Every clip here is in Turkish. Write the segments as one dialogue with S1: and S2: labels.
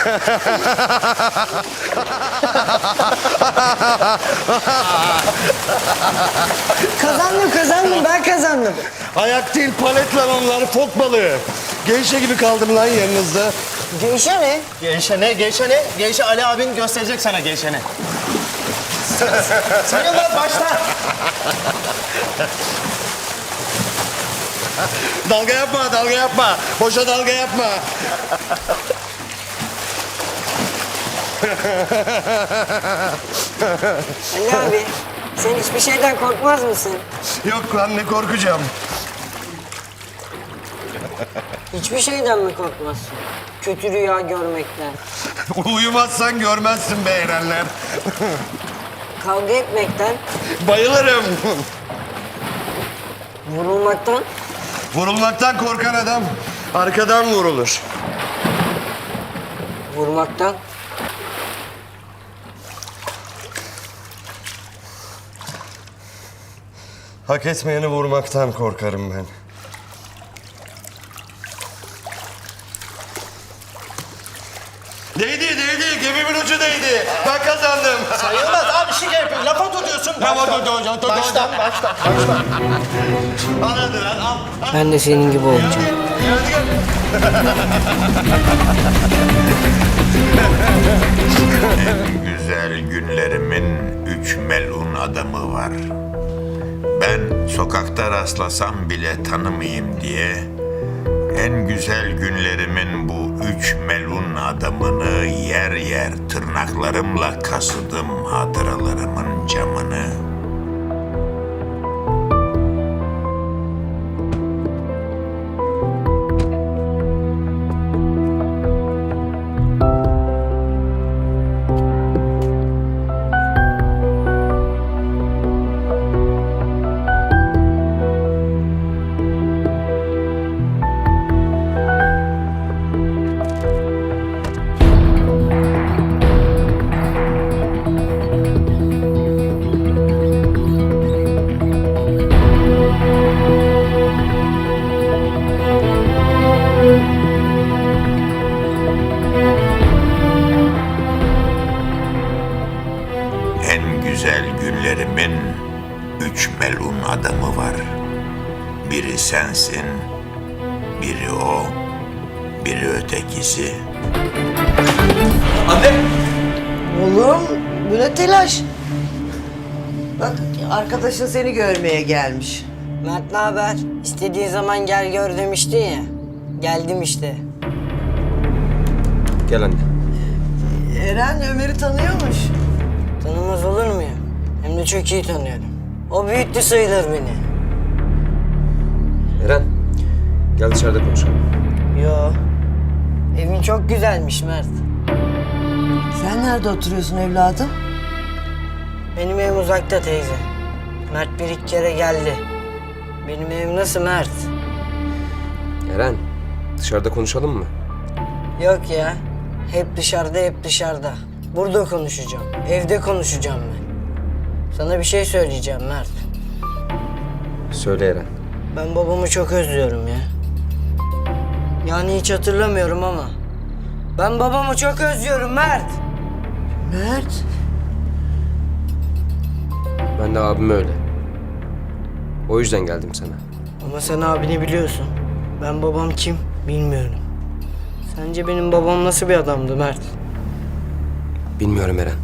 S1: Kazandım, ben kazandım.
S2: Ayak değil, palet lan onlar, fok balığı. Geyşe gibi kaldım lan yanınızda.
S1: Geyşe ne?
S3: Geyşe ne? Geyşe ne? Geyşe Ali abin gösterecek sana geyşe ne. Sayılmaz başla.
S2: Dalga yapma, dalga yapma. Boşa dalga yapma.
S1: Ali abi, sen hiçbir şeyden korkmaz mısın?
S2: Yok lan, ne korkacağım.
S1: Hiçbir şeyden mi korkmazsın? Kötü rüya görmekten,
S2: Uyumazsan görmezsin be Erenler.
S1: kavga etmekten,
S2: Bayılırım.
S1: vurulmaktan,
S2: Vurulmaktan korkan adam arkadan vurulur.
S1: vurmaktan.
S2: Hak etmeyeni vurmaktan korkarım ben. Değdi, gemimin ucu değdi. Ben kazandım.
S3: Sayılmaz abi şey yapıyor. Lafa tutuyorsun. Baştan.
S2: Al hadi lan, al.
S1: Ben de senin gibi olacağım.
S4: En güzel günlerimin 3 melun adamı var. Ben sokakta rastlasam bile tanımayayım diye en güzel günlerimin bu 3 melun adamını yer yer tırnaklarımla kasıdım hatıralarımın camını. En güzel günlerimin 3 melun adamı var. Biri sensin, biri o, biri ötekisi.
S5: Oğlum, bu ne telaş? Bak, arkadaşın seni görmeye gelmiş.
S1: Mert ne haber? İstediğin zaman gel gör demiştin ya. Geldim işte.
S6: Gel anne.
S5: Eren Ömer'i tanıyormuş.
S1: Tanımaz olur muyum? Hem de çok iyi tanıyorum. O büyüttü sayılır beni.
S6: Eren, gel dışarıda konuşalım.
S1: Yo. Evin çok güzelmiş Mert.
S5: Sen nerede oturuyorsun evladım?
S1: Benim evim uzakta teyze. Mert bir iki kere geldi. Benim evim nasıl Mert?
S6: Eren, dışarıda konuşalım mı?
S1: Yok ya. Hep dışarıda. Burada konuşacağım. Evde konuşacağım ben. Sana bir şey söyleyeceğim Mert.
S6: Söyle Eren.
S1: Ben babamı çok özlüyorum ya. Yani hiç hatırlamıyorum ama. Ben babamı çok özlüyorum Mert.
S5: Mert.
S6: Ben de abim öyle. O yüzden geldim sana.
S1: Ama sen abini biliyorsun. Ben babam kim bilmiyorum. Sence benim babam nasıl bir adamdı Mert?
S6: Bilmiyorum Eren.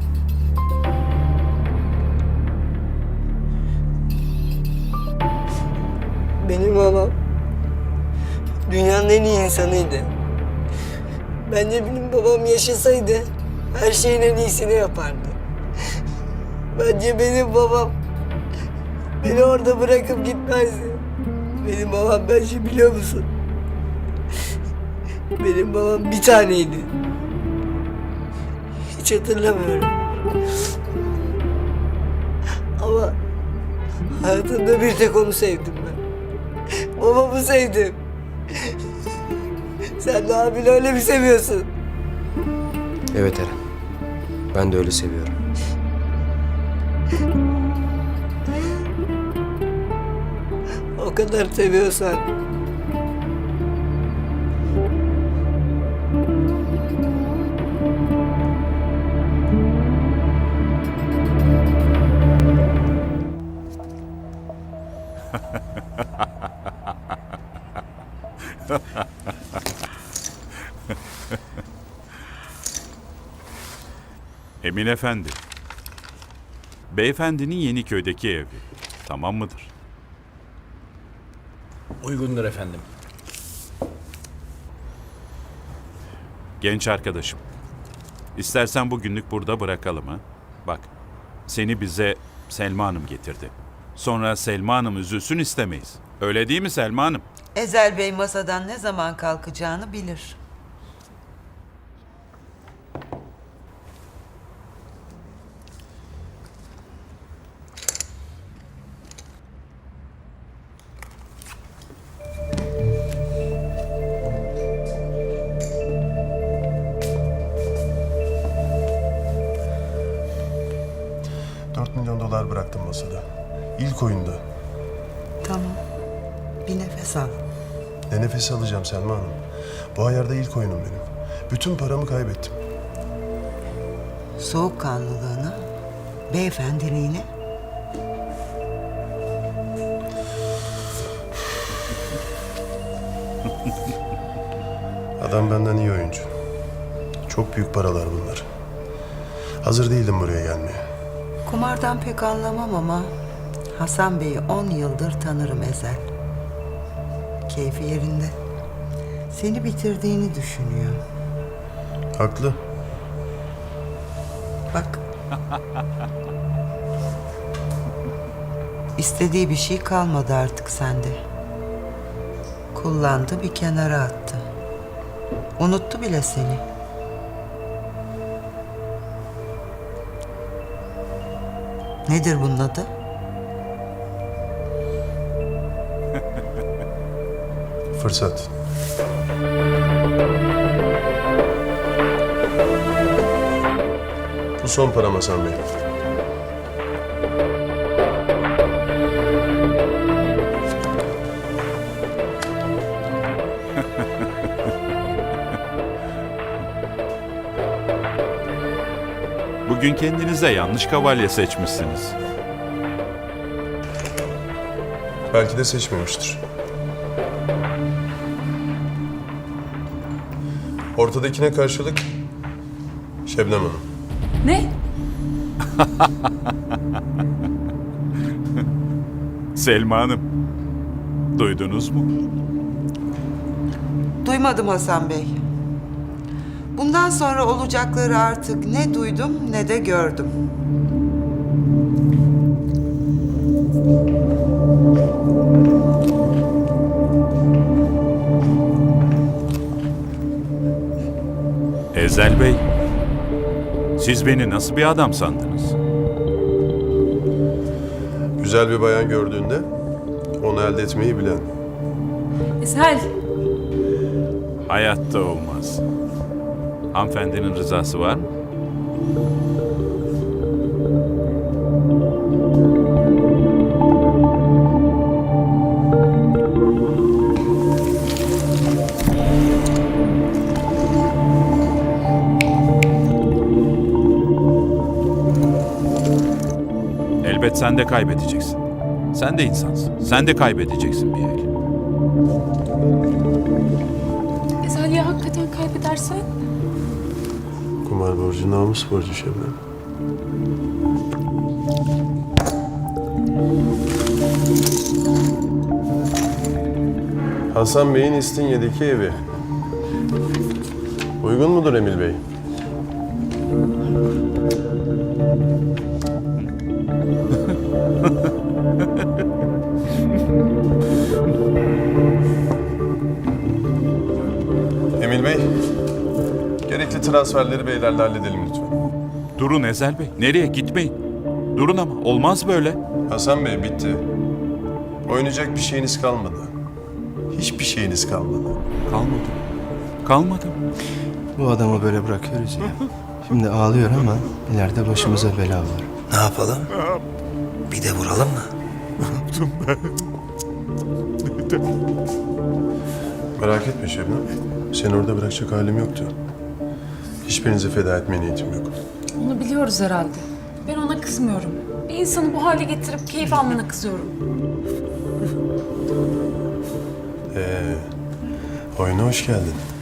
S1: Benim babam dünyanın en iyi insanıydı. Bence benim babam yaşasaydı her şeyin en iyisini yapardı. Bence benim babam beni orada bırakıp gitmezdi. Benim babam bence biliyor musun? Benim babam bir taneydi. Hiç hatırlamıyorum. Ama hayatımda bir tek onu sevdim ben. Babamı sevdim. Sen de abini öyle mi seviyorsun?
S6: Evet Eren. Ben de öyle seviyorum.
S1: O kadar seviyorsan
S7: Emin Efendi. Beyefendinin Yeniköy'deki evi. Tamam mıdır?
S8: Uygundur efendim.
S7: Genç arkadaşım. İstersen bugünlük burada bırakalım ha. Bak, seni bize Selma Hanım getirdi. Sonra Selma Hanım üzülsün istemeyiz. Öyle değil mi Selma Hanım?
S5: Ezel Bey masadan ne zaman kalkacağını bilir.
S2: $4 milyon bıraktım masada. İlk oyunda.
S5: Tamam. Bir nefes al.
S2: Ne nefes alacağım Selma Hanım. Bu ayarda ilk oyunum benim. Bütün paramı kaybettim.
S5: Soğukkanlılığına, beyefendiliğine.
S2: Adam benden iyi oyuncu. Çok büyük paralar bunlar. Hazır değildim buraya gelmeye.
S5: Kumardan pek anlamam ama Hasan Bey'i 10 yıldır tanırım Ezel. Keyfi yerinde. Seni bitirdiğini düşünüyor.
S2: Haklı.
S5: Bak. İstediği bir şey kalmadı artık sende. Kullandı, bir kenara attı. Unuttu bile seni. Nedir bunun adı?
S2: Fırsat. Bu son param Hasan Bey.
S7: Bugün kendinize yanlış kavalye seçmişsiniz.
S2: Belki de seçmemiştir. Ortadakine karşılık Şebnem Hanım.
S9: Ne?
S7: Selma Hanım, duydunuz mu?
S5: Duymadım Hasan Bey. Bundan sonra olacakları artık ne duydum ne de gördüm.
S7: Ezel Bey, siz beni nasıl bir adam sandınız?
S2: Güzel bir bayan gördüğünde onu elde etmeyi bilen.
S9: Ezel.
S7: Hayatta olmaz. Hanımefendinin rızası var mı? Elbet sen de kaybedeceksin. Sen de insansın. Sen de kaybedeceksin bir el.
S9: Ezel ya hakikaten kaybedersen?
S2: Kumar borcu, namus borcu Şebnem. Hasan Bey'in İstinye'deki evi. Uygun mudur Emil Bey? Emil Bey, gerekli transferleri beylerle halledelim lütfen.
S7: Durun Ezel Bey. Nereye? Gitmeyin. Durun ama. Olmaz böyle.
S2: Hasan Bey bitti. Oynayacak bir şeyiniz kalmadı. Hiçbir şeyiniz kalmadı.
S7: Kalmadı. Kalmadı.
S6: Bu adamı böyle bırakıyoruz ya. Şimdi ağlıyor ama ileride başımıza bela var.
S10: Ne yapalım? Bir de vuralım mı?
S2: Merak etme Şebnem. Seni orada bırakacak halim yoktu. Hiçbirinizi feda etmeye niyetim yok.
S9: Onu biliyoruz herhalde. Ben ona kızmıyorum. Bir insanı bu hale getirip keyif almana kızıyorum.
S2: Oyuna hoş geldin.